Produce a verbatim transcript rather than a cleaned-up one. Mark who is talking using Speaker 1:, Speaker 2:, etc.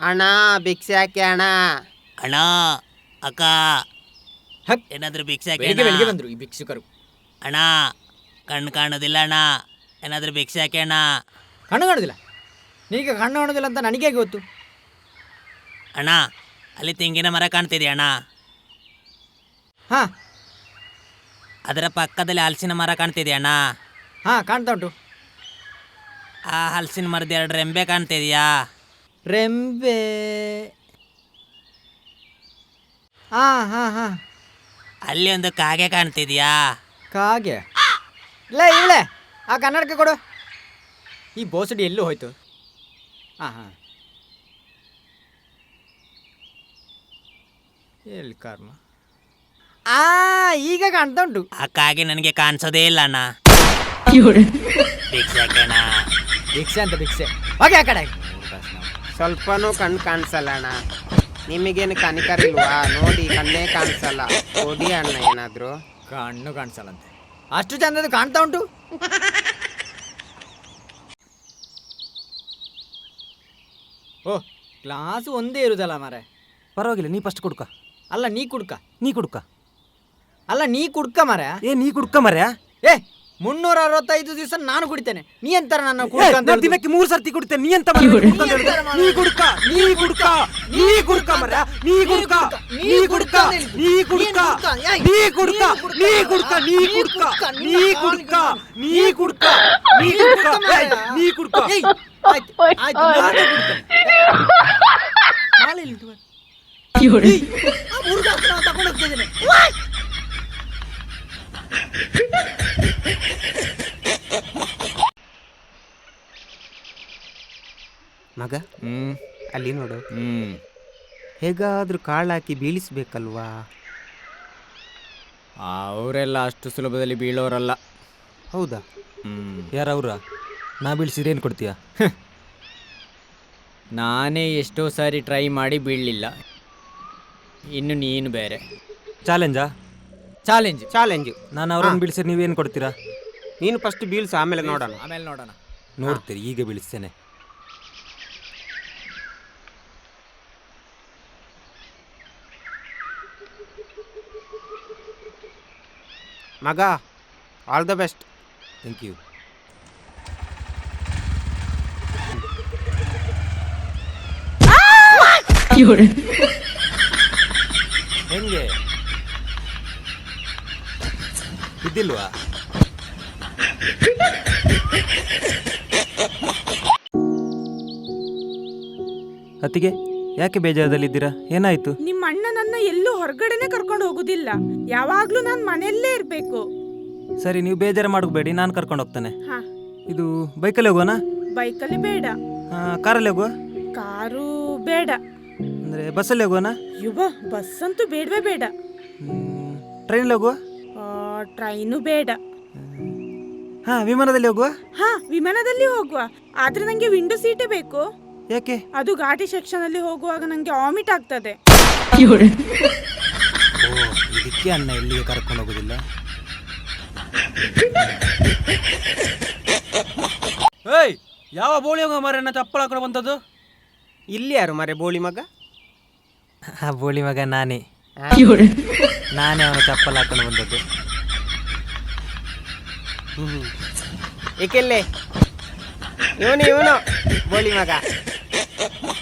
Speaker 1: ಅಣ್ಣ ಭಿಕ್ಷೆ ಹಾಕಿ ಅಣ್ಣ.
Speaker 2: ಅಣ್ಣ ಅಕ್ಕ
Speaker 3: ಹಕ್
Speaker 2: ಏನಾದ್ರೂ ಭಿಕ್ಷೆ ಹಾಕಿ
Speaker 3: ಬೆಳಿಗ್ಗೆ
Speaker 2: ಅಣ್ಣ.
Speaker 3: ಬೆಳಿಗ್ಗೆ ಬಂದ್ರು ಈ ಭಿಕ್ಷುಕರು.
Speaker 2: ಅಣ್ಣ ಕಣ್ಣು ಕಾಣೋದಿಲ್ಲ ಅಣ್ಣ, ಏನಾದ್ರೂ ಭಿಕ್ಷೆ ಹಾಕಿ ಅಣ್ಣ.
Speaker 3: ಕಣ್ಣು ಕಾಣೋದಿಲ್ಲ? ನಿನಗೆ ಕಣ್ಣು ಕಾಣೋದಿಲ್ಲ ಅಂತ ನನಗೆ ಹೇಗೆ ಗೊತ್ತು?
Speaker 2: ಅಣ್ಣ ಅಲ್ಲಿ ತೆಂಗಿನ ಮರ ಕಾಣ್ತಿದೆಯಾ ಅಣ್ಣ?
Speaker 3: ಹಾಂ
Speaker 2: ಅದರ ಪಕ್ಕದಲ್ಲಿ ಹಲಸಿನ ಮರ ಕಾಣ್ತಿದೆಯಾ ಅಣ್ಣ?
Speaker 3: ಹಾಂ ಕಾಣ್ತಾ ಉಂಟು.
Speaker 2: ಆ ಹಲಸಿನ ಮರದ ಎರಡು ರೆಂಬೆ ಕಾಣ್ತಿದೆಯಾ?
Speaker 3: ರೆಂಬೆ. ಹಾಂ ಹಾಂ ಹಾಂ
Speaker 2: ಅಲ್ಲಿ ಒಂದು ಕಾಗೆ ಕಾಣ್ತಿದ್ಯಾ?
Speaker 3: ಕಾಗೆ? ಇಲ್ಲ ಇವಳೆ ಆ ಕನ್ನಡಕ್ಕೆ ಕೊಡು. ಈ ಬೋಸಡಿ ಎಲ್ಲೂ ಹೋಯ್ತು? ಹಾಂ ಹಾಂ ಎಲ್ಲಿ ಕರ್ಮ. ಆ ಈಗ ಕಾಣ್ತಾ ಉಂಟು.
Speaker 2: ಆ ಕಾಗೆ ನನಗೆ ಕಾಣಿಸೋದೇ ಇಲ್ಲ ಅಣ್ಣ. ಭಿಕ್ಷೆ ಹಾಕಿ ಅಣ್ಣ.
Speaker 3: ಭಿಕ್ಷೆ ಅಂತ ಭಿಕ್ಷೆ ಹೋಗಿ ಆ ಕಡೆ.
Speaker 1: ಸ್ವಲ್ಪನೂ ಕಣ್ಣು ಕಾಣಿಸಲ್ಲ ಅಣ್ಣ. ನಿಮಗೇನು ಕನಿಕರ ಇಲ್ವಾ? ನೋಡಿ ಕಣ್ಣೇ ಕಾಣಿಸಲ್ಲ. ಕೊಡಿ ಅಣ್ಣ ಏನಾದ್ರು.
Speaker 3: ಕಣ್ಣು ಕಾಣಿಸಲ್ಲಂತೆ, ಅಷ್ಟು ಚಂದದ ಕಾಣ್ತಾ ಉಂಟು. ಓ ಗ್ಲಾಸ್ ಒಂದೇ ಇರುದಲ್ಲ ಮಾರೆ.
Speaker 4: ಪರವಾಗಿಲ್ಲ, ನೀ ಫಸ್ಟ್ ಕುಡ್ಕ.
Speaker 3: ಅಲ್ಲ ನೀ ಕುಡ್ಕ.
Speaker 4: ನೀ ಕುಡ್ಕ.
Speaker 3: ಅಲ್ಲ ನೀ ಕುಡ್ಕ ಮಾರೆ.
Speaker 4: ಏ ನೀ ಕುಡ್ಕ ಮರ್ಯಾ.
Speaker 3: ಏ ಮುನ್ನೂರ ಅರವತ್ತೈದು ದಿವಸ ನಾನು ಕುಡಿತೇನೆ, ನೀ ಎಂತಾರ ನನ್ನ ಕುಡ್ಕ ಅಂತ ಹೇಳುದು?
Speaker 4: ದಿನಕ್ಕೆ ಮೂರು ಸರ್ತಿ ಕುಡಿತೇನೆ, ನೀ ಎಂತ ಮಾರ್ರೆ ಕುಡ್ಕ ಅಂತ ಹೇಳುದು? ನೀ ಕುಡ್ಕ, ನೀ ಕುಡ್ಕ, ನೀ ಕುಡ್ಕ ಮರ್ಯಾ, ನೀ ಕುಡ್ಕ, ನೀ ಕುಡ್ಕ, ನೀ ಕುಡ್ಕ, ನೀ ಕುಡ್ಕ, ನೀ ಕುಡ್ಕ, ನೀ ಕುಡ್ಕ, ನೀ ಕುಡ್ಕ, ನೀ ಕುಡ್ಕ, ನೀ ಕುಡ್ಕ, ನೀ ಕುಡ್ಕ.
Speaker 3: ಏಯ್, ಆಯ್ತು, ಆಯ್ತು, ನಾನು ಕುಡ್ತೇನೆ. ನಾಳೆ ಇಲ್ಲಿ ಇಟ್ಟು ಬಾ. ಏಯ್, ಆ ಹುಡುಗ ಹತ್ರ ನಾನು ತಗೊಂಡು ಹೋಗ್ತಿದ್ದೇನೆ.
Speaker 1: ಮಗ
Speaker 3: ಹ್ಮ್
Speaker 1: ಅಲ್ಲಿ ನೋಡು.
Speaker 3: ಹ್ಮ್
Speaker 1: ಹೇಗಾದ್ರೂ ಕಾಳಾಕಿ ಬೀಳಿಸ್ಬೇಕಲ್ವಾ?
Speaker 3: ಅವರೆಲ್ಲ ಅಷ್ಟು ಸುಲಭದಲ್ಲಿ ಬೀಳೋರಲ್ಲ.
Speaker 1: ಹೌದಾ?
Speaker 3: ಹ್ಮ್
Speaker 4: ಯಾರವ್ರ? ನಾ ಬೀಳ್ಸಿದ್ರೆ ಏನು ಕೊಡ್ತೀಯಾ?
Speaker 3: ನಾನೇ ಎಷ್ಟೋ ಸಾರಿ ಟ್ರೈ ಮಾಡಿ ಬೀಳಲಿಲ್ಲ, ಇನ್ನು ನೀನು ಬೇರೆ.
Speaker 4: ಚಾಲೆಂಜಾ?
Speaker 3: Challenge
Speaker 1: challenge.
Speaker 4: ನಾನು ಅವ್ರನ್ನ ಬೀಳ್ಸಿದ್ರೆ ನೀವೇನು ಕೊಡ್ತೀರಾ?
Speaker 1: ನೀನು ಫಸ್ಟ್ ಬೀಳ್ಸು, ಆಮೇಲೆ ನೋಡೋಣ.
Speaker 3: ಆಮೇಲೆ ನೋಡೋಣ.
Speaker 4: ನೋಡ್ತೀರಿ, ಈಗ ಬೀಳಿಸ್ತೇನೆ.
Speaker 1: ಮಗ all the best.
Speaker 4: Thank you. ಹೆಂಗೆ ಇದ್ದಿಲ್ವಾ? ಅತ್ತಿಗೆ ಯಾಕೆ ಬೇಜಾರದಲ್ಲಿದ್ದೀರಾ? ಏನಾಯ್ತು?
Speaker 5: ನಿಮ್ಮ ಅಣ್ಣ ನನ್ನ ಎಲ್ಲೂ ಹೊರಗಡೆನೆ ಕರ್ಕೊಂಡು ಹೋಗುದಿಲ್ಲ, ಯಾವಾಗ್ಲೂ ನಾನು ಮನೆಯಲ್ಲೇ ಇರ್ಬೇಕು.
Speaker 4: ಸರಿ, ನೀವು ಬೇಜಾರು ಮಾಡಬೇಡಿ, ನಾನು ಕರ್ಕೊಂಡು ಹೋಗ್ತಾನೆ.
Speaker 5: ಹಾ,
Speaker 4: ಇದು ಬೈಕಲ್ಲಿ ಹೋಗೋಣ?
Speaker 5: ಬೈಕಲ್ಲಿ ಬೇಡ,
Speaker 4: ಕಾರಲ್ಲಿ ಹೋಗುವ?
Speaker 5: ಕಾರು ಬೇಡ,
Speaker 4: ಅಂದರೆ ಬಸ್ಸಲ್ಲಿ ಹೋಗೋಣ?
Speaker 5: ಯುವ ಬಸ್ ಅಂತೂ ಬೇಡವೇ ಬೇಡ.
Speaker 4: ಟ್ರೈನಲ್ಲಿ ಹೋಗುವ?
Speaker 5: ಆ, ಟ್ರೈನು ಬೇಡ.
Speaker 4: ಹಾಂ, ವಿಮಾನದಲ್ಲಿ ಹೋಗುವ?
Speaker 5: ಹಾ, ವಿಮಾನದಲ್ಲಿ ಹೋಗುವ, ಆದ್ರೆ ನಂಗೆ ವಿಂಡೋ ಸೀಟೇ ಬೇಕು.
Speaker 4: ಯಾಕೆ?
Speaker 5: ಅದು ಘಾಟಿ ಸೆಕ್ಷನ್ ಅಲ್ಲಿ ಹೋಗುವಾಗ ನಂಗೆ ವಾಮಿಟ್ ಆಗ್ತದೆ.
Speaker 4: ಓ, ಇದಕ್ಕೆ ಅಣ್ಣ ಎಲ್ಲಿಗೆ ಕರ್ಕೊಂಡು ಹೋಗೋದಿಲ್ಲ. ಏಯ್, ಯಾವ ಬೋಳಿ ಹೋಗ ಮಾರಣ್ಣ ಚಪ್ಪಳ ಹಾಕೊಂಡು ಬಂದದ್ದು?
Speaker 1: ಇಲ್ಲಿ ಯಾರು ಮರೆ ಬೋಳಿ ಮಗ?
Speaker 4: ಆ ಬೋಳಿ ಮಗ ನಾನೇ. ನಾನೇ ಅವನ ಚಪ್ಪಲ್ ಹಾಕೊಂಡು ಬಂದದ್ದು.
Speaker 1: ಹ್ಮ್ ಏಕೆಲ್ಲೇ ಇವನು ಇವನು ಬೋಳಿ ಮಗ.